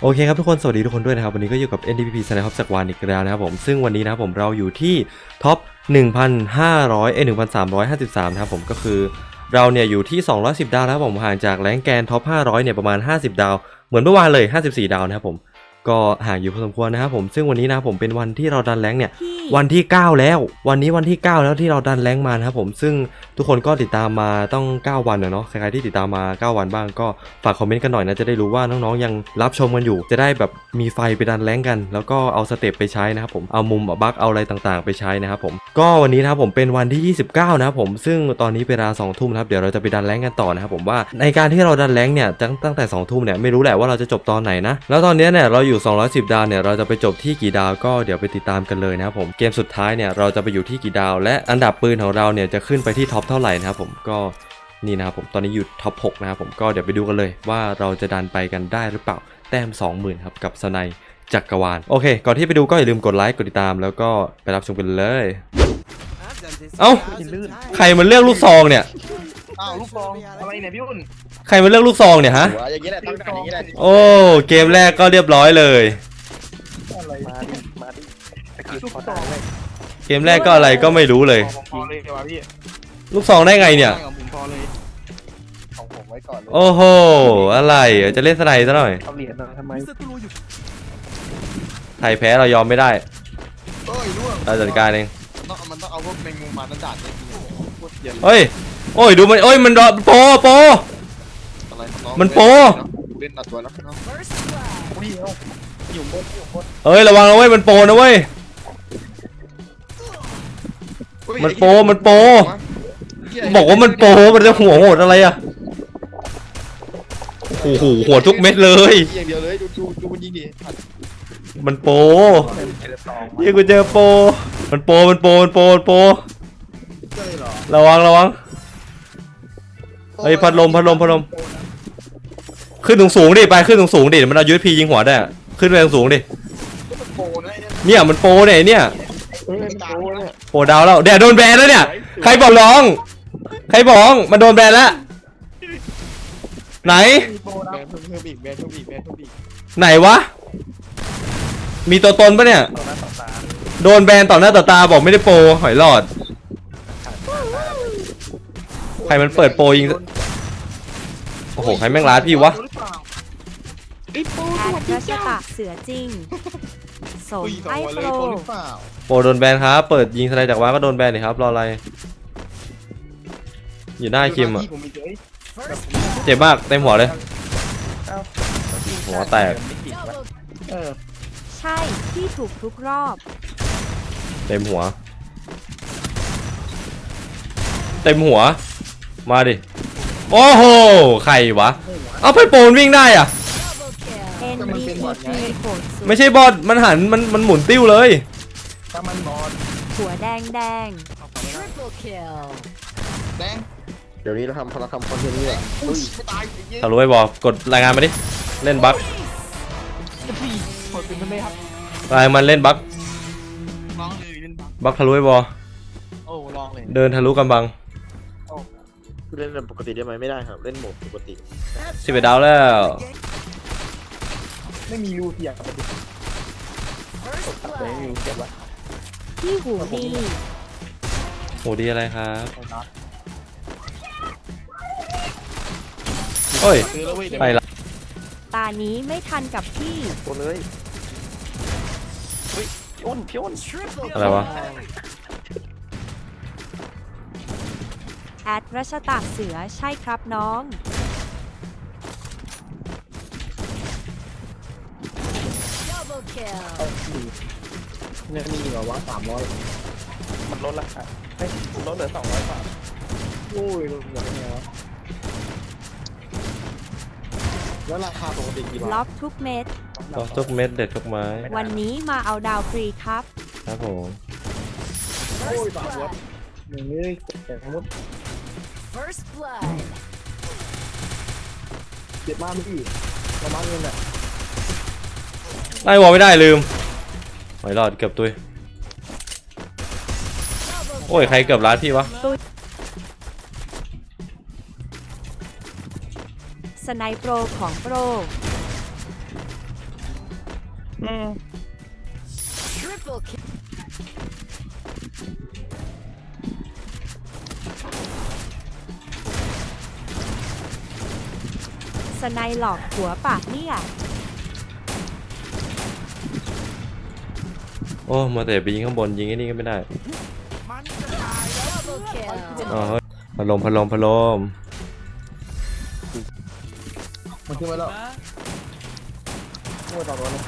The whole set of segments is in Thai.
โอเคครับทุกคนสวัสดีทุกคนด้วยนะครับวันนี้ก็อยู่กับ NDPP สไนป์จากวานอีกแล้วนะครับผมซึ่งวันนี้นะครับผมเราอยู่ที่ท็อป 1,353 นะครับผมก็คือเราเนี่ยอยู่ที่210ดาวนะครับผมห่างจากแรงแกนท็อป500เนี่ยประมาณ50ดาวเหมือนเมื่อวานเลย54ดาวนะครับผมก็ห่างอยู่พอสมควรนะครับผมซึ่งวันนี้นะครับผมเป็นวันที่เราดันแรงเนี่ยวันที่9แล้ววันนี้วันที่9แล้วที่เราดันแรงมานะครับผมซึ่งทุกคนก็ติดตามมาต้อง9วันเนาะใครๆที่ติดตามมา9วันบ้างก็ฝากคอมเมนต์กันหน่อยนะจะได้รู้ว่าน้องๆยังรับชมกันอยู่จะได้แบบมีไฟไปดันแรงกันแล้วก็เอาสเต็ปไปใช้นะครับผมเอามุมบั๊กเอาอะไรต่างๆไปใช้นะครับผมก็วันนี้นะครับผมเป็นวันที่29นะครับผมซึ่งตอนนี้เวลา2ทุ่มครับเดี๋ยวเราจะไปดันแรงกันต่อนะครับผมว่าในการที่เราดันแรงเนี่ยตั้งแต่2ทุ่มเนี่ยไม่รู้แหละว่าเราจะจบตอนไหนนะแล้วตอนนี้เนี่ยเราอยู่210ดาวเนี่ยเราจะไปจบที่กี่ดาวก็เดี๋ยวไปติดตามกันเลยนะครับผมเกมสุดท้ายเนี่ยเราจะไปอยู่ที่กี่ดาวและอันดับปืนของเราเนี่ยจะขึ้นไปที่ท็อปเท่าไหร่นะครับผมก็นี่นะครับผมตอนนี้อยู่ท็อป6นะครับผมก็เดี๋ยวไปดูกันเลยว่าเราจะดันไปกันได้หรือเปล่าแต้ม 20,000 ครับกับสไนจักรวาลโอเคก่อนที่ไปดูก็อย่าลืมกดไลค์กดติดตามแล้วก็ไปรับชมกันเลยเอ้าใครมันเลือกลูกซองเนี่ยอ้าวลูกซองอะไรเนี่ยพี่อุ่นใครมันเลือกลูกซองเนี่ยฮะอย่างนี้แหละต้องการอย่างนี้แหละโอ้เกมแรกก็เรียบร้อยเลยมาดิลูกซองเลยเกมแรกก็อะไรก็ไม่รู้เลยพอเลยเดี๋ยวพี่ลูกซองได้ไงเนี่ยของผมพอเลยของผมไว้ก่อนเลยโอ้โหอะไรจะเล่นสไนซะหน่อยเอาเหรียญมาทำไมไทยแพ้เรายอมไม่ได้เราจัดการเองมันต้องเอาพวกแมงมุมมาดัดเนี่ยเฮ้ยโอ้ยดูมันโอ้ยมันโปมันโปเล่นตัดตัวแล้วอยู่บนเฮ้ยระวังนะเว้ยมันโปนะเว้ยมันโปบอกว่ามันโปมันจะหัวโหดอะไรอะโอ้โหหัวทุกเม็ดเลยอย่างเดียวเลยดูมันยิงดิมันโปยี่กูเจอโปมันโประวังเฮ้ยพัดลมขึ้นสูงดิไปขึ้นสูงดิมันเอายูเอพียิงหัวได้ขึ้นไปสูงดิเนี่ยมันโปเนี่ยโปดาวแล้วเดี๋ยวโดนแบนแล้วเนี่ยใครบอกร้องมันโดนแบนแล้วไหนไหนวะมีตัวตนปะเนี่ยโดนแบนต่อหน้าต่อตาบอกไม่ได้โปรหอยหลอดใครมันเปิดโปรยิงโอ้โหใครแม่งร้านพี่วะแอดรัชตะเสือจริงสมไอโปรโปรโดนแบนครับเปิดยิงสไนจากว้าก็โดนแบนเลยครับรออะไรอยู่หน้าคิมอ่ะเจ็บมากเต็มหัวเลยหัวแตกใช่ที่ถูกทุกรอบเต็มหัวมาดิโอ้โหใครวะเอาไปโปนวิ่งได้อ่ะไม่ใช่บอทมันหันมันหมุนติ้วเลยถ้ามันบอทหัวแดงแดงเดี๋ยวนี้เราทำคอนเทนต์นี่แหละถ้ารู้ไว้บอกกดรายงานมาดิเล่นบั๊กรายมันเล่นบั๊กบั๊กทะลุไว้บอเดินทะลุกำบังเล่นปกติได้ไหมไม่ได้ครับเล่นโหมดปกติ 11ดาวแล้วไม่มีรูเทียบที่หูดีอะไรครับโอ้ยไปละตานี้ไม่ทันกับพี่โอนเลยพี่อ้นอะไรวะแอดรัชตะเสือใช่ครับน้องเนี่ยมีแบบว่า300มันลดราคาลดเหลือ200บาทโอ้ยลดเหลือไงวะแล้วราคาปกติกี่บาทล็อกทุกเม็ดเด็ดทุกไม้วันนี้มาเอาดาวฟรีครับผมโอ้ยบาทวะหนึ่งเลยแต่ทั้งหมดเจ็บมากพี่ประมาณเงินแหละไล่วอลไม่ได้ลืมหอยหลอดเกือบตุยโอ้ยใครเกือบร้านพี่วะสไนโปรของโปรอืมสไนหลอกหัวปากเนี่ยโอ้มาแต่ไปยิงข้างบนยิงไอ้นี่ก็ไม่ได้อ๋อเฮ้ยพัดลมมันขึ้นมาแล้วขึ้นมาต่อตัวเลย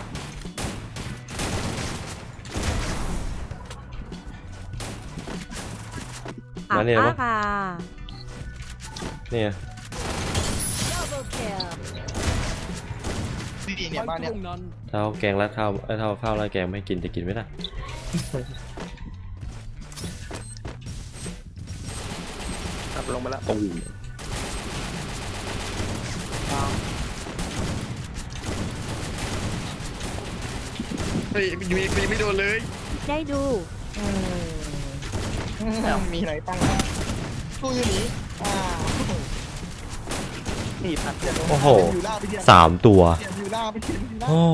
อามาเนี่ยอาปะกาเนี่ยดีเนี่ยบ้านเนี่ยเท่าแกงราดข้าวเท่าข้าวราดแกงไม่ให้กินจะกินไม่ได้ขับลงมาแล้วตูมเฮ้ยยังไม่โดนเลยได้ดูมีไหนตั้งตู้อยู่นี้นี่พัดเจ็ดโอ้โหอยู่ล่าไปเทียน 3 ตัวอยู่ล่าไปเทียนอยู่ล่าโอ้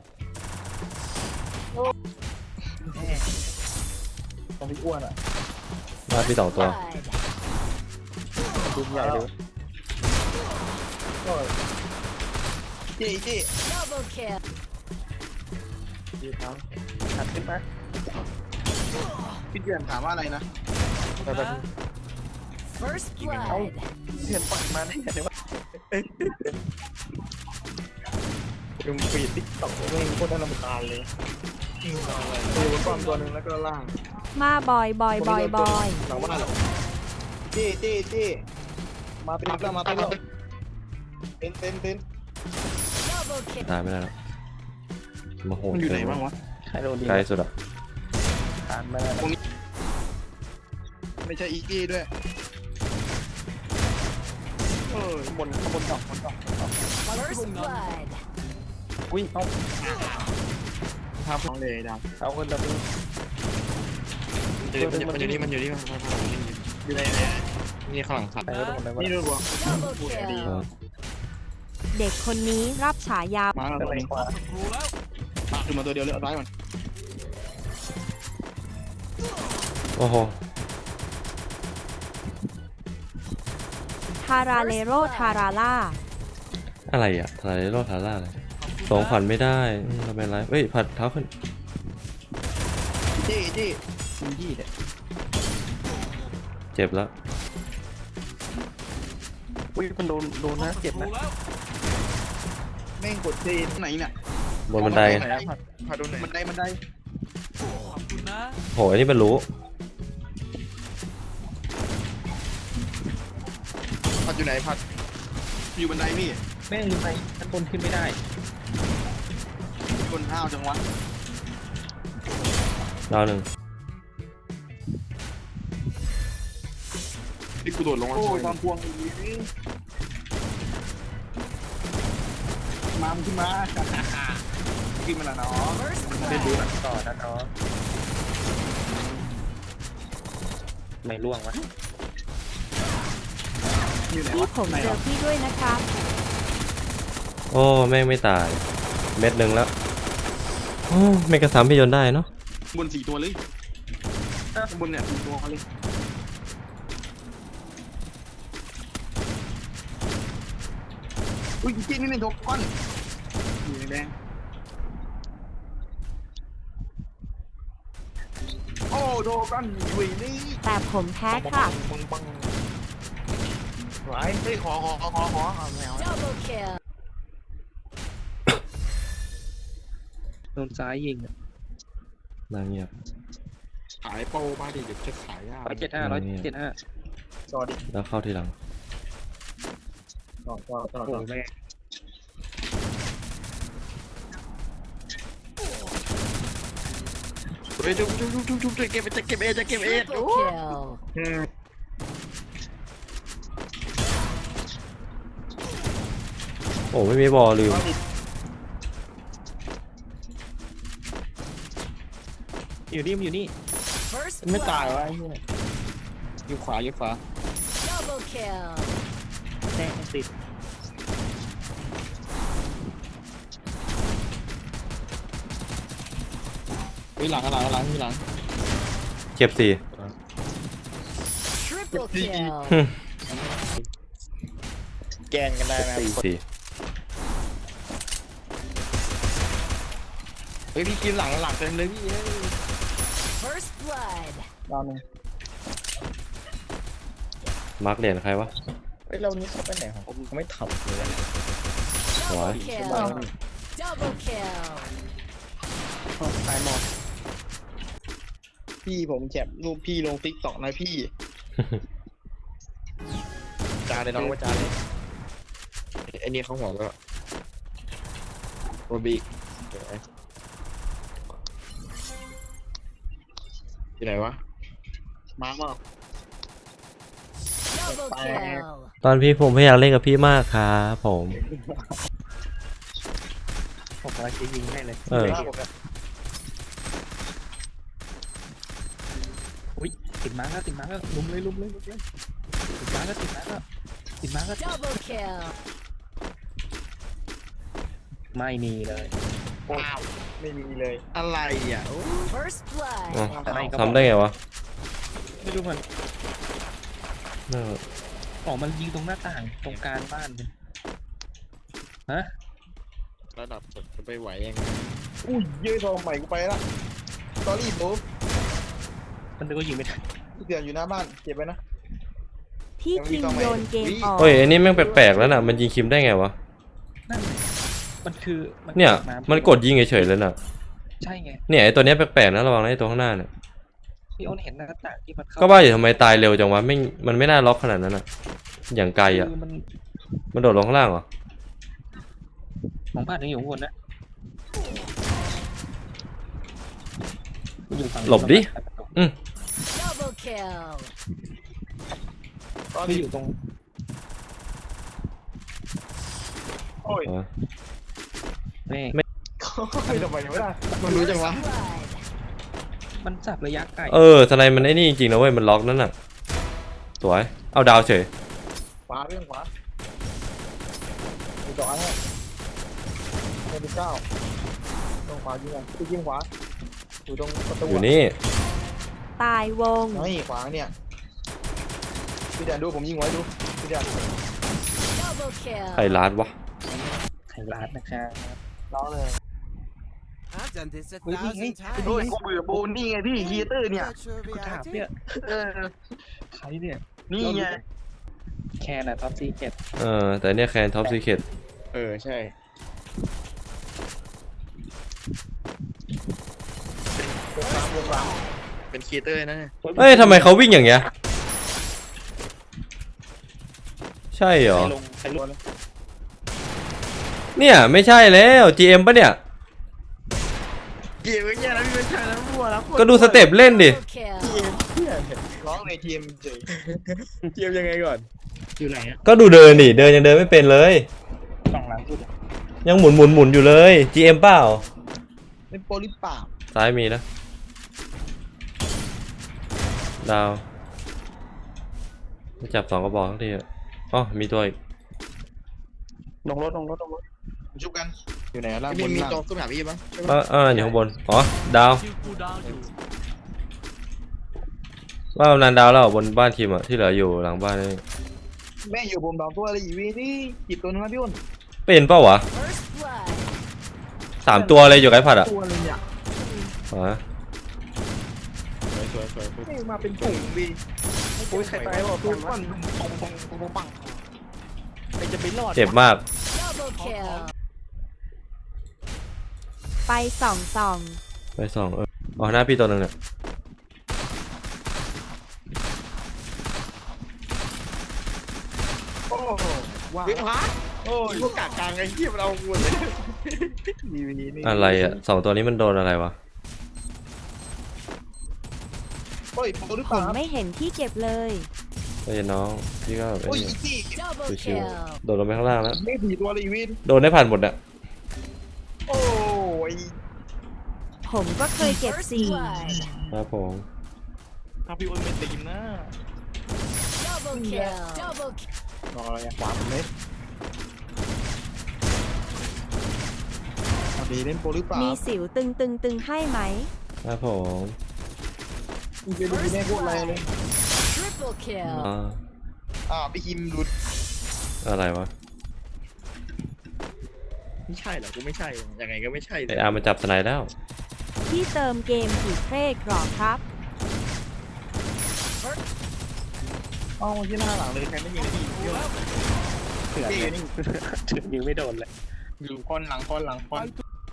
ตอนที่อ้วนอ่ะมาพี่2 ตัวดูใหญ่เลยก็จี้ยืดเท้าขัดขึ้นไหมพี่เดือนถามว่าอะไรนะแต่แบบ First blood. เดือนปล่อยมาได้ไงเนี่ยวะดูฟีดติ๊กต็อกไม่โคตรน่ารำคาญเลยตัวบนป้อมตัวหนึ่งแล้วก็ล่างมาบอยหลังบ้านเหรอจี้มาเป็นแล้วมาเป็นแล้วเป็น Double kill. ตายไม่ได้แล้วมาโหดมันอยู่ไหนบ้างวะใครโดนดีไกลสุดอะทานไม่ได้ตรงนี้ไม่ใช่อีกี้ด้วยข้างบนดอก First blood. อุ้ยเอาทำของเลยดาวเอาคนละตัวมันอยู่นี่อยู่ในนี่ข้างหลังสัตว์นี่ดูวะ Double kill. เด็กคนนี้รับฉายามาตัวนี้ขึ้นมาตัวเดียวเลยเอาร้ายก่อนโอ้โหทาราเลโรทาราล่าอะไรอะทาราโรทาร่าอะไรสองขวัญไม่ได้เราเป็นไรเฮ้ยผัดเท้าขึ้นจี้เนี่ยเจ็บแล้วอุ้ยมันโดนนะเจ็บนะแม่งกดจีนไหนเนี่ยบนบันไดผัดโดนไหนบันไดโหอันนี้มันรู้ผัดอยู่ไหนผัดอยู่บันไดพี่แม่งอยู่ไหนชั้นบนขึ้นไม่ได้บนห้าวจังวะดาวหนึ่งพี่กูโดดลงมาโอ้ยตอนพวงอีกมาขึ้นมาขึ้นมาแล้วเนาะ First เล่นดู blood. หนังต่อนะเนาะไม่ล่วงวะอยู่ไหนพี่วะผมเจอพี่ด้วยนะครับโอ้แม่งไม่ตาย เม็ดหนึ่งแล้วโอ้ไม่กระซ้ำพี่ยนต์ได้เนาะบน4 ตัวเลยบนเนี่ย4 ตัวเลยอุ้ยจี้นี่โดนก้อนอยู่แดงโอ้โดนก้อนอยู่นี่แต่ผมแพ้ค่ะบังไหวเฮ้ยขอเอาแมว Double kill. โดนซ้ายยิงนางเงียบขายโปรมาดิเดี๋ยวจะขายยาก175จอดิแล้วเข้าทีหลังจอแม่เฮ้ยจุ๊บเก็บเอ Triple kill. โอ้ไม่มีบอลลืมอยู่นี่ First ไม่ตายวะ blood. ไอ้เนี่ยอยู่ขวา Double kill. แน่ติดหลังที่หลังเก็บสี่ Triple kill. แกนกันได้ไหมสี่เฮ้ยพี่กินหลังเต็มเลยพี่ First blood. รอบนึงมาร์กเหรียญใครวะเฮ้ยเรานี้เขาไปไหนของเขาไม่ทำเลย Double Right. kill. Double kill. ตายหมดพี่ผมแคปรูปพี่ลงติ๊กต็อกนะพี่ จานเลยน้องว่าจานเลยไอ้นี่เขาหัวก็โรบิกอยู่ไหนวะมาร์ค Double kill. ตอนพี่ผมไม่อยากเล่นกับพี่มากครับผมผมกำลังจะยิงให้เลยเอออุ้ยติดมาร์คแล้วลุมเลยติดมาร์คแล้วติดมาร์คแล้ว Double kill. ไม่มีเลยว้าวไม่มีเลยอะไรอ่ะ First blood. อ๋อทำได้ไงวะไม่รู้มันเอออ๋อมันยิงตรงหน้าต่างตรงกลางบ้านเลยฮะระดับจะไปไหวยังไงอุ้ยยืดทองใหม่กูไปละตอรี่บุ๊มันก็ยิงไม่ได้เสียอยู่หน้าบ้านเก็บไปนะพี่คิงโยนเกมออกเฮ้ยอันนี้แม่งแปลกๆแล้วน่ะมันยิงคิมได้ไงวะนั่นมันคือเนี่ยมันกดยิงเฉยๆเลยน่ะใช่ไงเนี่ยไอตัวเนี้ยแปลกๆนะระวังนะไอตัวข้างหน้าเนี่ยพี่อ้นเห็นหน้าต่างที่มันเข้าก็ว่าอยู่ทำไมตายเร็วจังวะไม่มันไม่น่าล็อกขนาดนั้นอ่ะ อย่างไกลอ่ะคือมันมันโดดลงข้างล่างเหรอของบ้านยังอยู่ข้างบนนะมันอยู่ฝั่งหลบดิ Double kill. ที่อยู่ตรงโอ้ยอ๋อนี่ไม่ไม่ทำไมไม่ได้มันรู้จังวะ Blood. มันจับระยะไกลเออสไนมันไอ้นี่จริงๆนะเว้ยมันล็อกนั่นน่ะสวยเอาดาวเฉยขวาเรื่องขวาอยู่ต่อให้เป็นเก้าตรงขวายิงอ่ะยิงขวาอยู่ตรงประตูอยู่นี่ตายวงนี่ขวาเนี่ยพี่แดนดูผมยิงไว้ดูพี่แดน Double kill. ใครลาดวะไทยรัฐนะครับล้อเลย I've done this a เฮ้ยนี่ไง thousand โอ้ย times. กูเบื่อโบนนี่ไงพี่ฮีเตอร์เนี่ย Not sure กูถาม reacted. เนี่ยใครเนี่ยนี่ไงแค่น่ะท็อปซีเจ็ดแต่เนี่ยแคนท็อปซีเคทใช่เป็นคีเตอร์นะเอ้ยทำไมเขาวิ่งอย่างเงี้ยใช่เหรอใครลงเนี่ยไม่ใช่แล้ว GM ปะเนี่ยเกี่ยวกับเนี่ยนะพี่ไม่ใช่นะมั่วแล้วก็ดูสเต็ปเล่นดิ Double kill. ร้องในทีมเฉยทีมยังไงก่อนอยู่ไหนอ่ะก็ดูเดินดิเดินยังเดินไม่เป็นเลยสองหลังสุดยังหมุนอยู่เลย GM เปล่าเป็นโปลิปป่าซ้ายมีนะดาวไม่จับ2 กระบอกทั้งทีอะอ๋อมีตัวอีกลงรถชุบกันอยู่ไหนล่ะบนมีจอขึ้นหาพี่ปะอยู่ข้างบนอ๋อดาวว่ากำนันดาวแล้วบนบ้านทีมอะที่เหลืออยู่หลังบ้านนี่แม่อยู่ผมดองตัวอะไรอีวีนี่จิบตัวนึงนะพี่อ้นเป็นเปล่าวะ First blood. 3 ตัวเลยอยู่ไกลผัดอะตัวเลยอ่ะอ๋อสวยไม่มาเป็นถุงวีโอ้ยใครตายบอกตัวปั้นปังใครจะไปรอดเจ็บมาก Double kill. ไปส่องไป2อ๋อหน้าพี่ตัวหนึงเนี่ยโอ้ว้าวโอ้ยพวกกากกลางไอ้เหี้ยมันเอาหมดเลยวีนี่อะไรอะ2 ตัวนี้มันโดนอะไรวะโอ้ยโปลิๆ ผป่ามไม่เห็นที่เก็บเลยเฮ้ยน้องพี่ก็แบบโอ้ยนี้อีซี่ Double ชิว kill. ๆโดดลงไปข้างล่างแล้วไม่ผีตัวเลยอีวีนโดนได้ผ่านหมดอะโอ้ยผมก็เคยเก็บ First 4 blood. ครับผมถ้าพี่อ้นไม่ตีมนะ Double kill. Double kill. รออะไรอ่ะขวาผมเลยพอดีเล่นโปลิป่ามีสิวตึงให้ไหมครับผมมึงไปดูแน่โคตรอะไรเลย Triple kill. พี่คิมหลุดอะไรวะไม่ใช่เหรอกูไม่ใช่ยังไงก็ไม่ใช่เลไอย อาร์มันจับสไนด์แล้วที่เติมเกมกี่เพลกหรอครับอ๋อที่หน้าหลังเลยใครไม่ยิงพี่เยอะเถื่อนเลยนี่ยิงไม่โดนเลยอยู่คนหลังคนหลังคน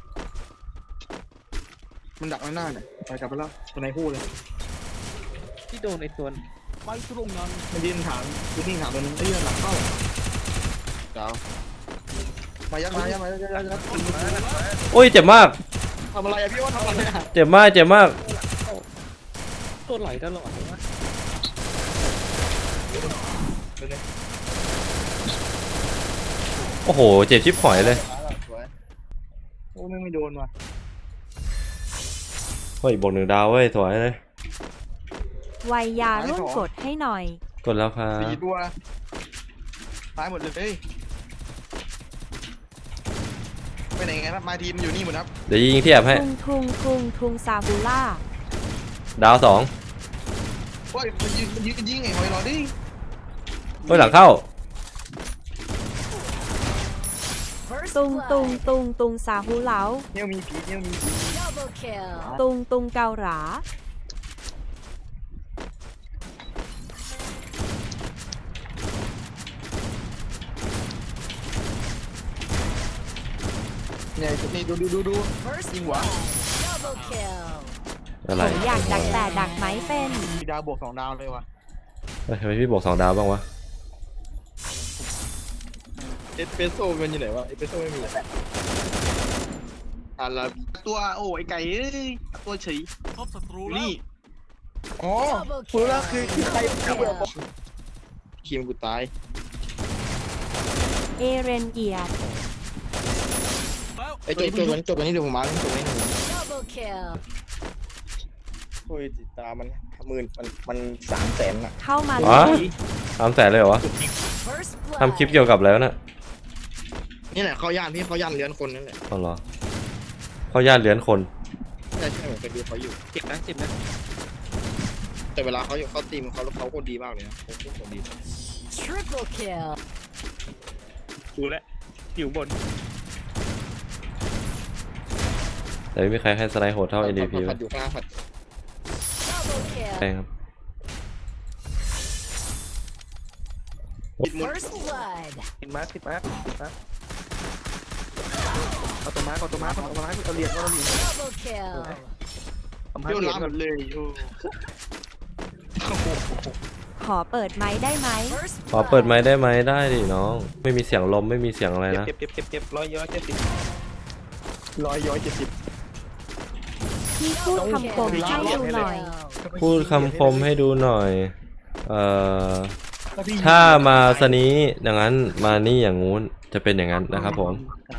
มันดักไว้หน้าเนี่ยไปกลับไปแล้วตัวไหนพูดเลยที่โดนไอ้ตัวมันยืนถามยืนนิ่งถามตัวนึงหลังเข้าเจ้ามายัดยัดโอ้ยเจ็บมากทำอะไรอะพี่ว่าทำอะไรอะเจ็บมาก เจ็บมากตัวไหลตลอดเลยวะโอ้โห เจ็บชิบหอยเลยโอ้ไม่โดนว่ะเฮ้ยบวก1 ดาวเว้ย สวยเลยวัยยาร่วมกดให้หน่อยกดแล้วครับ 4 ตัวตายหมดเลยไปไหนไงครับมาทีมอยู่นี่หมดครับเดี๋ยวยิงที่แอบให้ทุงซาบูล่าดาว 2 โอ้ยมันยืนยิงไงหอยรอดิเฮ้ยหลังเข้า First ตุงซาฮูเหลาเนี่ยมีผีเนี่ยมีผี Double kill. ตุงเกาหราเนี่ยนี่ดู First Ding hỏa. blood. Double kill. อะไรผมอยากดักแต่ดักไหมเป็นมีดาวบวก2 ดาวเลยว่ะเฮ้ยทำไมพี่บวก2 ดาวบ้างวะเอสเปรสโซ่มันอยู่ไหนวะเอสเปรสโซ่ไม่มีอาราบิตัวโอ้ไอไก่เอ้ยตัวเฉยนี่อ๋อรู้แล้วคือใครคิมกูตายเอเรนเกียร์ไอจบวันนี้เดี๋ยวผมมาจบวันนี้หนึ่ง Double kill. โอ้ยติดตามมัน300,000อ่ะเข้ามาอ๋อเลย 300,000เลยเหรอวะ First blood. ทำคลิปเกี่ยวกับอะไรวะน่ะนี่แหละเขาย่านพี่เขาย่านเลี้ยนคนนั่นแหละอ๋อเหรอเขาญาติเลี้ยนคนใช่เหมือนกันดูเขาอยู่เจ็บนะเจ็บนะแต่เวลาเขาอยู่เขาตีมเขาโคตรดีมากเลยนะเขาโคตรดี Triple kill. ดูแลวอยู่บนแต่ไม่มีใครให้สไนด์โหดเท่า NDP ผัวะดอยู่ข้างผัด Double ใช่ kill. ครับปิดมุด First blood. ติดมาติดมาเอาตัวมาเอาเหรียญเอาเหรียญ Double kill. เอามาเที่ยวเหรียญล้างหมดเลยโอ้ขอเปิดไม้ได้ไหม First ขอเปิดไม้ blood. ได้ไหมได้ดิน้อง ไม่มีเสียงลมไม่มีเสียงอะไรนะเจ็บร้อย70 170 พี่พูดคำคมให้ดูหน่อยพูดคำคมให้ดูหน่อย ถ้ามาสนี้อย่างนั้นมานี่อย่างงู้นจะเป็นอย่างนั้นนะครับผม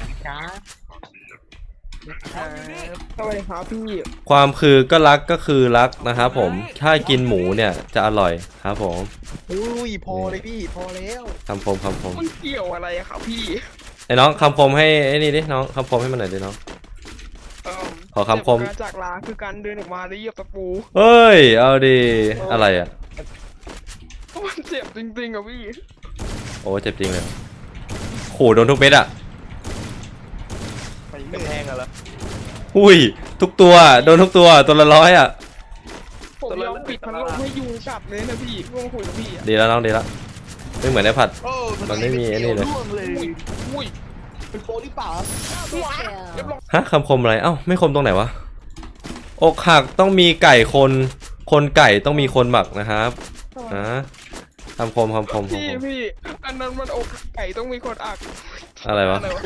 สวัสดีครับพี่ความคือก็รักก็คือรักนะครับผม ถ้ากินหมูเนี่ยจะอร่อยครับผมอุ้ยพอเลยพี่พอแล้วคำคมคำคมมันเกี่ยวอะไรอะครับพี่ไอ้น้องคำคมให้ไอ้นี่ดิน้องคำคมให้มันหน่อยดิน้อง ขอคำคมจากลาคือการเดินออกมาได้เหยียบตะปูเฮ้ยเอาดีอะไรอ่ะมันเจ็บจริงๆอะพี่โอ้เจ็บจริงเลยโหโดนทุกเม็ดอ่ะไปกำแพงอะเหรออุ้ยทุกตัวโดนทุกตัวตัวละ100อ่ะผมยอมปิดพัดลมให้ยุงกัดเลยนะพี่เมื่อมาคุยกับพี่อะดีแล้วน้องดีแล้วไม่เหมือนไอ้ผัดโอ้มันไม่มีไอ้นี่เลยร่วงเลยอุ้ยเป็นโปรหรือเปล่า Double kill. ฮะคำคมอะไรเอ้าไม่คมตรงไหนวะอกหักต้องมีไก่คนไก่ต้องมีคนหมักนะครับนะคำคมคำคมพี่อันนั้นมันอกไก่ต้องมีคนอักอะไรวะอะไรวะ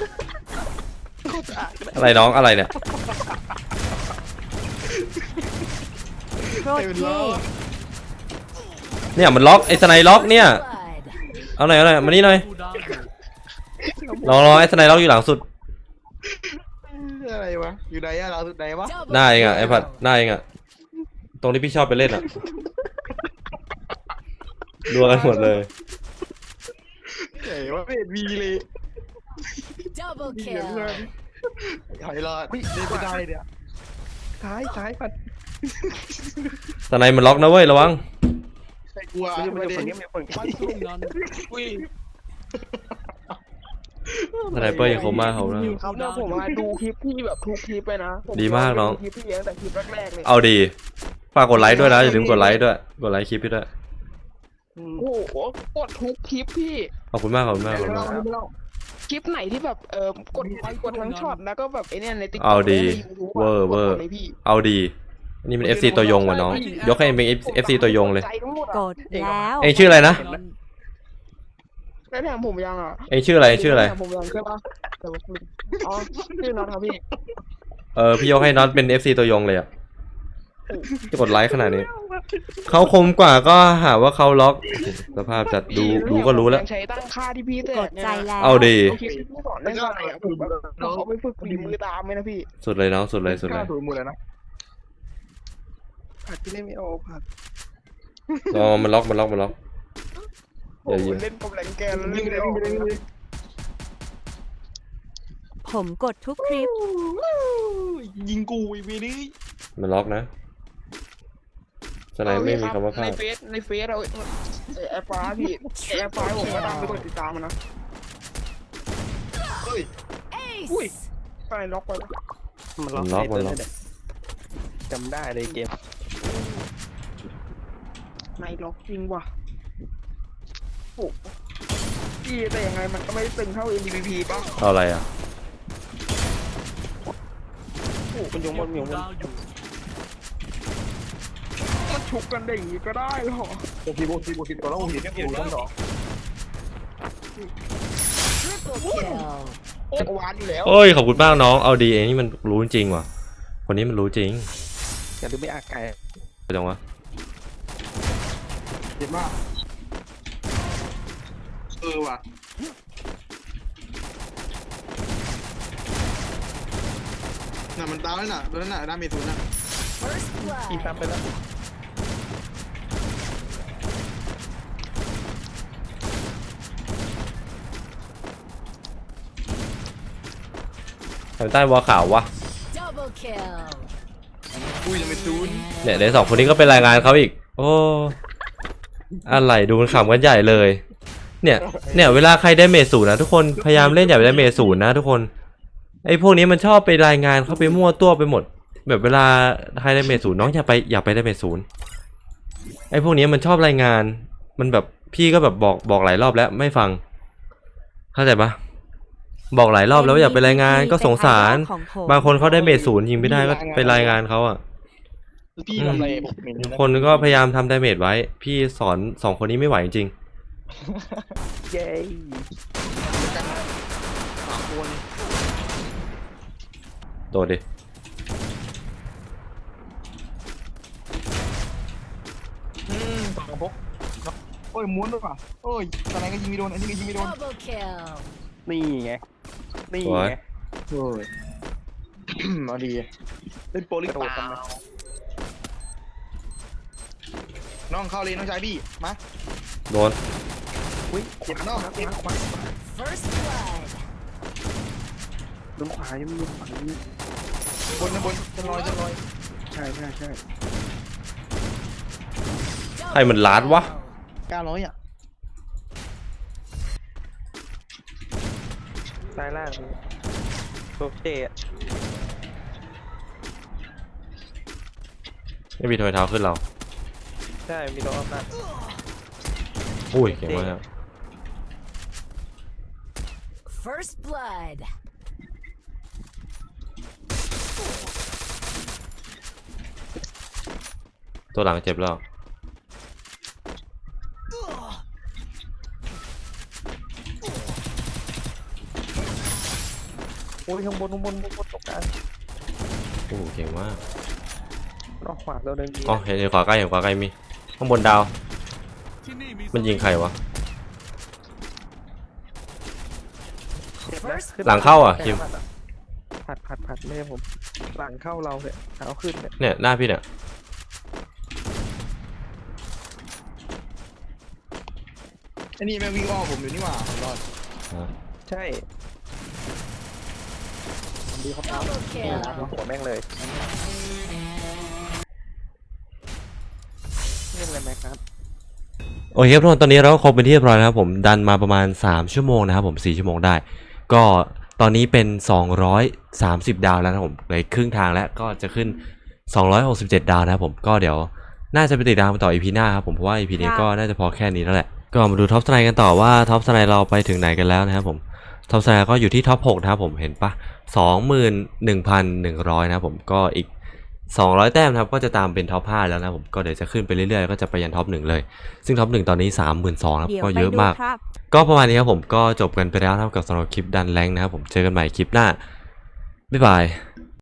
อะไรน้องอะไรเนี่ยโคตรเท่เนี่ยมันล็อกไอ้สไนล็อกเนี่ย Blood. เอาหน่อยมานี่หน่อยรอไอ้สไนล็อกอยู่หลังสุดอะไรวะอยู่ไหนอะเราสุดไหนวะ Double หน้าเองอ่ะไอ้ผัด kill. หน้าเองอ่ะตรงที่พี่ชอบไปเล่นอ่ะรัวกันหมดเลยไหนวะไม่เห็นมีเลย Double มีเหลือเพื่อน kill. หอยรอดเล่นไม่ได้เนี่ยซ้ายผัดตอนไหนมันล็อกนะเว้ยระวังใครกลัวมันอยู่ฝั่งนี้มันอยู่ฝั่งนี้อุ้ยสไนเปอร์ยังคมมากเขานะครับแล้วผมมาดูคลิปพี่แบบทุกคลิปไปนะผดีมากน้องดูคลิปพี่ตั้งแต่คลิปแรกๆเลยเอาดีฝากกดไลค์ด้วยนะอย่าลืมกดไลค์ด้วยกดไลค์คลิปพี่ด้วยโอ้โหกดทุกคลิปพี่ขอบคุณมากขอบคุณมากขอบคุณมากคลิปไหนที่แบบกดไลค์กดทั้งช็อตแล้วก็แบบไอ้เนี่ยในติ๊กต็อกเอาดีเวอร์เอาดีนี่มัน FC ตัวยงว่ะน้องยกให้เป็น FC ตัวยงเลยกดแล้วเองชื่ออะไรนะได้แถมผมยังอ่ะเองชื่ออะไรชื่ออะไรด้แถมผมยังใช่ปะแต่ว่าอ๋อชื่อน้องครับพี่พี่ยกให้น็อตเป็น FC ตัวยงเลยอ่ะจะกดไลค์ขนาดนี้เขาคมกว่าก็หาว่าเขาล็อกสภาพจัดดูก็รู้แล้วยังใช้ตั้งค่าที่พี่แตกกดเนี่ยใจนะแล้วเอาดีโอเคพี่สอนได้ไงอ่ะผมแบบเขาไปฝึกฝีมือตามไหมนะพี่สุดเลยน้องสุดเลยสุดเลยถูกหมดเลยนะผัดที่เล่นไม่ออกผัดมันล็อกอย่าโอ้ยิงเล่นกับแรงแกนแล้วยิเล่งนเลไม่ยออกยิงเลยผมกดทุกคลิปยิงกูอีกทีนี้มันล็อกนะสไนไม่มีคำว่าพลาดในเฟซเราแอปฟ้าพี่แอปฟ้าผมก็ตามไปกดติดตามมันนะเฮ้ยอุ้ย Ace. ไปล็อกไปแล้วมันล็อกจำได้เลยเกมในล็อกจริงว่ะโอ้พี่แต่ยังไงมันก็ไม่ตึงเท่า MVP ป่ะเอาอะไรอ่ะโอ้มันยงมันฉุกกันได้อย่างงี้ก็ได้เหรอโบกีตัวแล้วผมเห็นแค่ปูต้นดอก Triple kill. จักรวาลอยู่แล้วโอ้ยขอบคุณมากน้องเอาดีเองนี่มันรู้จริงว่ะคนนี้มันรู้จริงอย่าลืมไม่อาไก่ไปจังวะเจ็บมากว่ะน่ะมันตายแล้วน่ะโดนน่ะดาเมจศูนย์น่ะ First อี blood. ซ้ำไปแล้วทำใต้วอลขาววะ Double kill. อุ้ยยังไม่ศูนย์เนี่ยในสองคนนี้ก็เป็นรายงานเขาอีก โอ้อะไรดูมันขำกันใหญ่เลย เนี่ยเวลาใครได้เมจศูนย์นะทุกคนพยายามเล่นอย่าไปได้เมจศูนย์นะทุกคนไอ้พวกนี้มันชอบไปรายงานเขาไปมั่วตัวไปหมด แบบเวลาใครได้เมจศูนย์น้องอย่าไปได้เมจศูนย์ไอ้พวกนี้มันชอบรายงานมันแบบพี่ก็แบบบอกหลายรอบแล้วไม่ฟังเข้าใจปะบอกหลายรอบแล้วอย่าไปรายงานก็สงสารบางคนเขาได้เมจศูนย์ยิงไม่ได้ก็ไปรายงานเขาอ่ะพี่ทำอะไรผมเห็นอยู่นะคนก็พยายามทำดาเมจไว้ พี่สอนสองคนนี้ไม่ไหวจริงเย้สามคนโดดดิสองพกโอ้ยม้วนด้วยป่ะโอ้ยอะไรก็ยิงไม่โดนอันนี้ก็ยิงไม่โดน Double kill. นี่ไงนี่ไงโอ้ย เอาดีเล่นโปรลิกโดดกันไหมน้องเข้าเลยน้องชายพี่มาโดนอุ้ยเจ็บน้องเจ็บ First blood. ลงขวายังมีลงขวายังมีบนจะลอยใช่ใครมันล้านวะ 900อ่ะตายล่างโอเคไม่มีทอยเท้าขึ้นเราใช่มีตัวออฟนะอุ้ยเก่งมาก First blood. ตัวหลังเจ็บแล้วโอ้ยข้างบนตกกลางโอ้โหเก่งมากออกขวาเราเดินดีอ๋อเห็นขวาใกล้มีข้างบนดาว มันยิงใครวะ First หลังเข้าอ่ะคิมผัดไม่ใช่ผมหลังเข้าเราเนี่ยเอาขึ้นเนี่ยเนี่ยหน้าพี่เนี่ยไอ้นี่แม่งวิ่งอ้อมผมอยู่นี่หว่าผมรอดใช่ดีเขาตาม double kill. หัวแม่งเลยเลยไหมครับโอเคครับทุกคนตอนนี้เราก็ครบเป็นที่เรียบร้อยแล้วครับผมดันมาประมาณ3ชั่วโมงนะครับผม4ชั่วโมงได้ก็ตอนนี้เป็น230ดาวแล้วนะครับผมเหลือครึ่งทางแล้วก็จะขึ้น267ดาวนะครับผมก็เดี๋ยวน่าจะไปติดตามต่อ EP หน้าครับผมเพราะว่า EP นี้ก็น่าจะพอแค่นี้แล้วแหละก็มาดูท็อปสไนกันต่อว่าท็อปสไนเราไปถึงไหนกันแล้วนะครับผมท็อปสไนก็อยู่ที่ท็อป6นะครับผมเห็นปะ21,100นะครับผมก็อีก200แต้มนะครับก็จะตามเป็นท็อป5แล้วนะครับผมก็เดี๋ยวจะขึ้นไปเรื่อยๆก็จะไปยันท็อป1เลยซึ่งท็อป1ตอนนี้ 32,000ครับเดี๋ยวก็ไปเยอะดูมากครับก็ประมาณนี้ครับผมก็จบกันไปแล้วนะครับกับสำหรับคลิปดันแรงค์นะครับผมเจอกันใหม่คลิปหน้าบ๊ายบาย